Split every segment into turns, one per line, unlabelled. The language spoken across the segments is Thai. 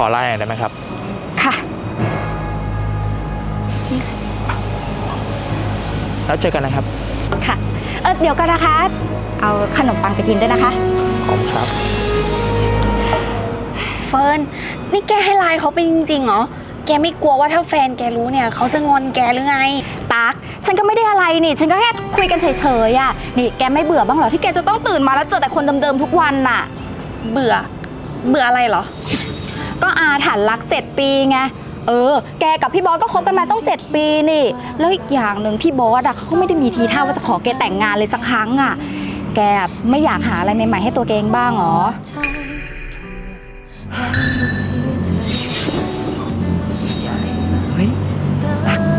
ไลน์หน่อยได้ไหมครับ
ค่ะ
แล้วเจอกันนะครับ
ค่ะเดี๋ยวก่อนนะคะเอาขนมปังไปกินด้วยนะคะ
ขอบคุณครับ
เฟิร์นนี่แกให้ไลน์เขาไปจริงๆเหรอแกไม่กลัวว่าถ้าแฟนแกรู้เนี่ยเขาจะงอนแกหรือไง
ตั๊กฉันก็ไม่ได้อะไรนี่ฉันก็แค่คุยกันเฉยๆอ่ะนี่แกไม่เบื่อบ้างเหรอที่แกจะต้องตื่นมาแล้วเจอแต่คนเดิมๆทุกวันน่ะ
เบื่ออะไรเหรอ
ก็อาถรรพ์รัก7 ปีไงแกกับพี่บอสก็คบกันมาต้อง7 ปีนี่แล้วอีกอย่างหนึ่งพี่บอสอะเขาก็ไม่ได้มีทีท่าว่าจะขอแกแต่งงานเลยสักครั้งอะแกไม่อยากหาอะไรใหม่ๆให้ตัวแกเองบ้างหรอเฮ้ยรัก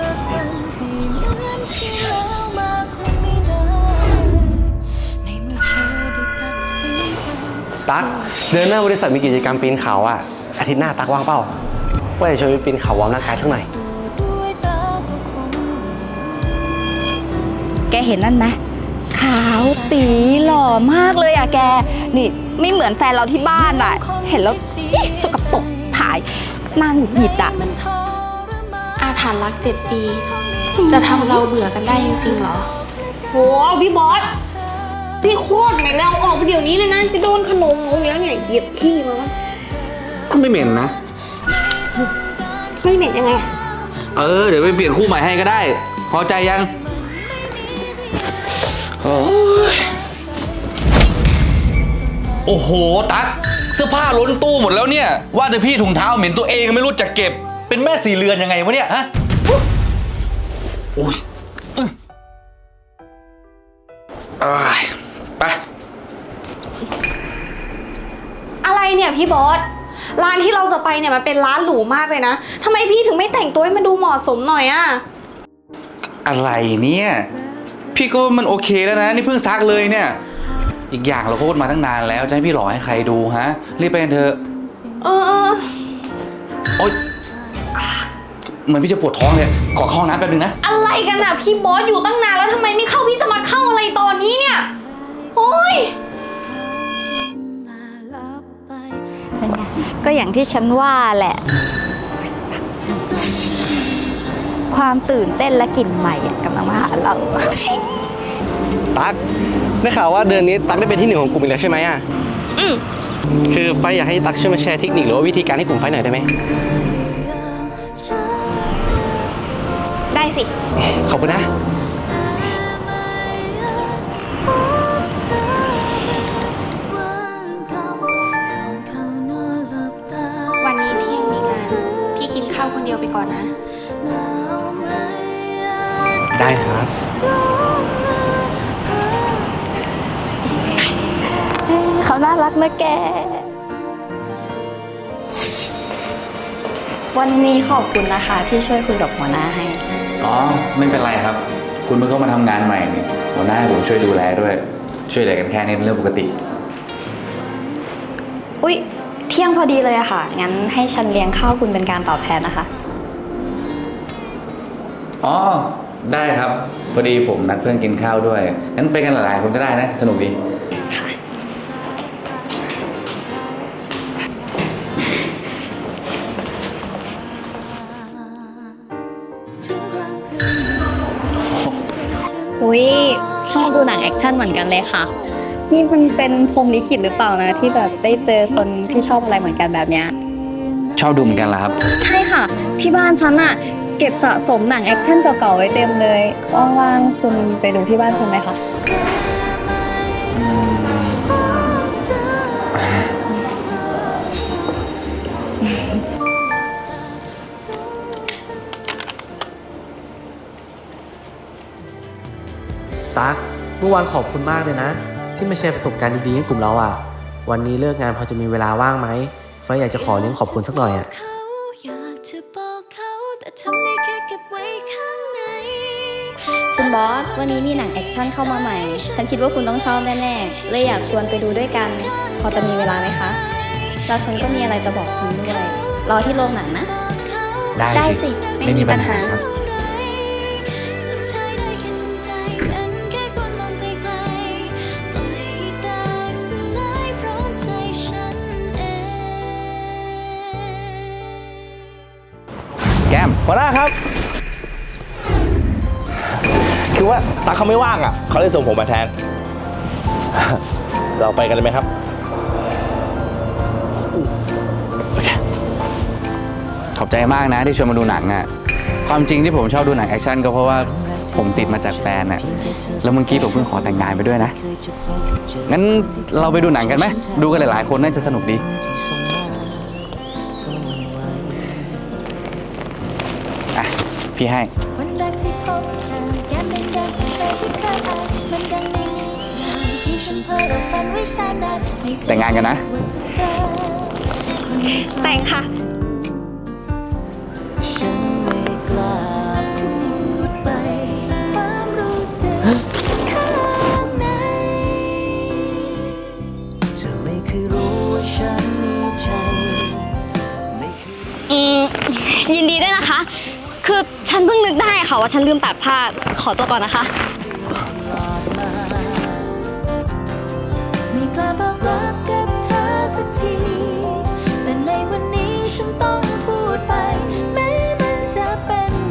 ตั๊กเดือนหน้าบริษัทมีกิจกรรมปีนเขาอ่ะอาทิตย์หน้าตั๊กว่างเปล่าว่าจะชวนไปปีนเขาวอร์มร่างกายทั้งหน่อย
แกเห็นนั่นไหมขาวตีหล่อมากเลยอะแกนี่ไม่เหมือนแฟนเราที่บ้านอะเห็นแล้วสกปรกผายนางหงุดหงิดอะ
อาถรรพ์รัก7 ปีจะทำเราเบื่อกันได้จริงๆเหรอ
โหพี่บอสพี่โคตรเหม็นเลยเอาออกไปเดี๋ยวนี้เลยนะจะโดนขนมหมูอยู่แล้วเนี่ยเหยียบขี้มา
ก็ไม่เหม็นนะ
ไม่เหม็นยังไง
เดี๋ยวไปเปลี่ยนคู่ใหม่ให้ก็ได้พอใจยังโอ้โหตั๊กเสื้อผ้าล้นตู้หมดแล้วเนี่ยว่าแต่พี่ถุงเท้าเหม็นตัวเองไม่รู้จักเก็บเป็นแม่สีเรือนยังไงวะเนี่ยฮะโอ้ยไป
อะไรเนี่ยพี่บอสร้านที่เราจะไปเนี่ยมันเป็นร้านหรูมากเลยนะทำไมพี่ถึงไม่แต่งตัวให้มันดูเหมาะสมหน่อยอะ
อะไรเนี่ยพี่ก็มันโอเคแล้วนะนี่เพิ่งซักเลยเนี่ยอีกอย่างเราโคตรมาตั้งนานแล้วจะให้พี่หล่อให้ใครดูฮะรีบไปกันเถอะ
โ
อ๊ยเหมือนพี่จะปวดท้องเลยขอเข้าห้องน้ำแป๊บนึงนะ
อะไรกันอะพี่บอสอยู่ตั้งนานแล้วทำไมไม่เข้าพี่จะมาเข้าอะไรตอนนี้เนี่ยโอ้ย
ก็อย่างที่ฉันว่าแหละความตื่นเต้นและกลิ่นใหม่กำลังมาหาเรา
ตั๊กได้ข่าวว่าเดือนนี้ตั๊กได้เป็นที่1ของกลุ่มอีกแล้วใช่ไหมอ่ะคือไฟอยากให้ตั๊กช่วยมาแชร์เทคนิคหรือว่าวิธีการให้กลุ่มไฟหน่อยได้ไหม
ได้สิ
ขอบคุณนะ
วันนี้พี่ยังมีงานพี่กินข้าวคนเดียวไปก่อนนะ
ได้ครับ
เขาน่ารักนะแกวันนี้ขอบคุณนะคะที่ช่วยคุยกับหัวหน้าให้
ไม่เป็นไรครับคุณเพิ่งเข้ามาทำงานใหม่นี่หัวหน้าให้ผมช่วยดูแลด้วยช่วยเหลือกันแค่นี้เป็นเรื่องปกติ
อุ๊ยเที่ยงพอดีเลยอะค่ะงั้นให้ฉันเลี้ยงข้าวคุณเป็นการตอบแทนนะคะ
ได้ครับพอดีผมนัดเพื่อนกินข้าวด้วยงั้นไปกันหลายๆคนก็ได้นะสนุกดี
อุ๊ยชอบดูหนังแอคชั่นเหมือนกันเลยค่ะนี่มันเป็นพรหมลิขิตหรือเปล่านะที่แบบได้เจอคนที่ชอบอะไรเหมือนกันแบบเนี้ย
ชอบดูเหมือนกันเหรอครับ
ใช่ค่ะที่บ้านฉันอะเก็บสะสมหนังแอคชั่นเก่าๆไว้เต็มเลยว่างๆคุณไปดูที่บ้านฉันไหมคะ
ตั๊กเมื่อวานขอบคุณมากเลยนะที่มาแชร์ประสบการณ์ดีๆให้กลุ่มเราอ่ะวันนี้เลิกงานพอจะมีเวลาว่างไหมไฟอยากจะขอเลี้ยงขอบคุณสักหน่อยอ่ะ
คุณบอสวันนี้มีหนังแอคชั่นเข้ามาใหม่ฉันคิดว่าคุณต้องชอบแน่ๆเลยอยากชวนไปดูด้วยกันพอจะมีเวลาไหมคะแล้วฉันก็มีอะไรจะบอกคุณด้วยรอที่โรงหนังนะ
ได้สิไม่มีปัญหา
ก้ม
หัวหน้าครับ คือว่าตั๊กเขาไม่ว่างอ่ะเขาเลยส่งผมมาแทน เราไปกันเลยไหมครับ
ขอบใจมากนะที่ชวนมาดูหนังอ่ะ ความจริงที่ผมชอบดูหนังแอคชั่นก็เพราะว่าผมติดมาจากแฟนอ่ะ แล้วเมื่อกี้ผมเพิ่งขอแต่งงานไปด้วยนะ งั้นเราไปดูหนังกันไหม ดูกันหลายๆคนน่าจะสนุกดี อ่ะ พี่ให้
วันแรกที่พบเธอแก้มแดงๆของเธอที่เคยอายมันดังในนิยายที่ฉันเพ้อเราฝันไว้ช้านานไม่เคย
แต่งงานกันนะ
ว่าจะเจอคนในฝัน
แต่งค่ะ
ฉันไม่กล้าพูดไปความรู้สึกข้างในเธอไม่เคยรู้ว่าฉันมีใจไม่เคย
ยินดีด้วยนะคะ คือฉันเพิ่งนึกได้ค่ะว่าฉันลืมตัดผ้า ขอตัวก่อนนะคะ
ไม่กล้าบอกรักกับ